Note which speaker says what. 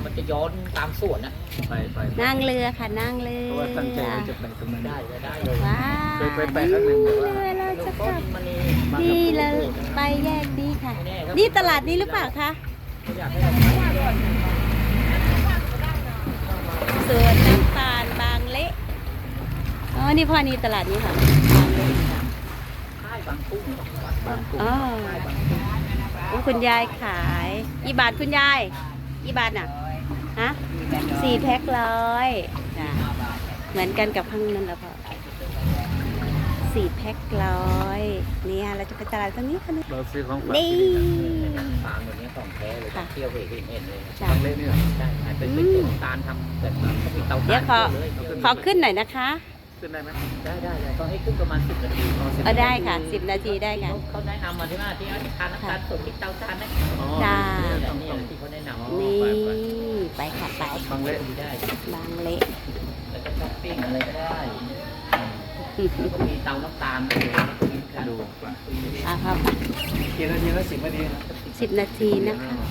Speaker 1: มันจะย้อนตามสวนนะ
Speaker 2: ไป
Speaker 3: นั่งเรือค่ะนั่งเรือ
Speaker 2: เพราะว่าตั้งใจว่าจะไปตรงนั้น
Speaker 1: ได้เลย
Speaker 3: ว้า
Speaker 2: ไปครั้งหนึ่งแต่ว่า
Speaker 3: เรือเราจะกลับ
Speaker 1: มัน
Speaker 3: นี่เราไปแยกนี้ค่ะ นี่ตลาดนี้หรือเปล่าคะ
Speaker 1: อยากให้เรา
Speaker 3: สวนน้ำตาลบางเละอ๋อนี่พ่อนี่ตลาดนี้ค่ะบางเละค่ะ
Speaker 1: ค่ายบางกุ้ง
Speaker 3: อ๋อโอ้คุณยายขายกี่บาทคุณยายกี่บาทน่ะฮะ4 แพ็ค100จ้ะเหมือนกันกับข้างนั้นแล้วพ่อ4 แพ็ค100เนี่ยเราจะไปตลาดตรงนี้ค่ะนี่
Speaker 2: เราซื้อของฝาก
Speaker 3: นี่
Speaker 1: ฟางแบบนี้ของแท้เลยเที่ยวเห็นเลย
Speaker 3: จ้ะ
Speaker 2: บางเล่นี่เหรอ
Speaker 1: ได้เป็นตัวน้ำตาลทำแบบเขามีเตา
Speaker 3: เดี๋ยว
Speaker 1: ถ่าน
Speaker 3: ขอขึ้นหน่อยนะคะ
Speaker 2: ขึ้นได้ไหม
Speaker 1: ได้ก็ให้ขึ้นประมาณ10 นาที
Speaker 3: ได้ค่ะ10 นาทีได้ค่ะ
Speaker 1: เขาแนะนำมาที่ว่าที่ทานน้ำตาลสดที่เตาถ่านนะ
Speaker 2: อ๋อ
Speaker 3: จ้า
Speaker 1: นี่ที่เขาแนะนำ
Speaker 3: นี่ไปค่ะไป
Speaker 2: บางเล่
Speaker 1: ได้
Speaker 3: บางเละ
Speaker 1: แล้วก็ช้อปปิ้งอะไรก็ได้แล้วก็มีเตาน้ำตาล
Speaker 2: ดู
Speaker 3: อ่ะครับ
Speaker 2: กี่นาทีแล้ว10 นาที
Speaker 3: 10 นาทีนะคะ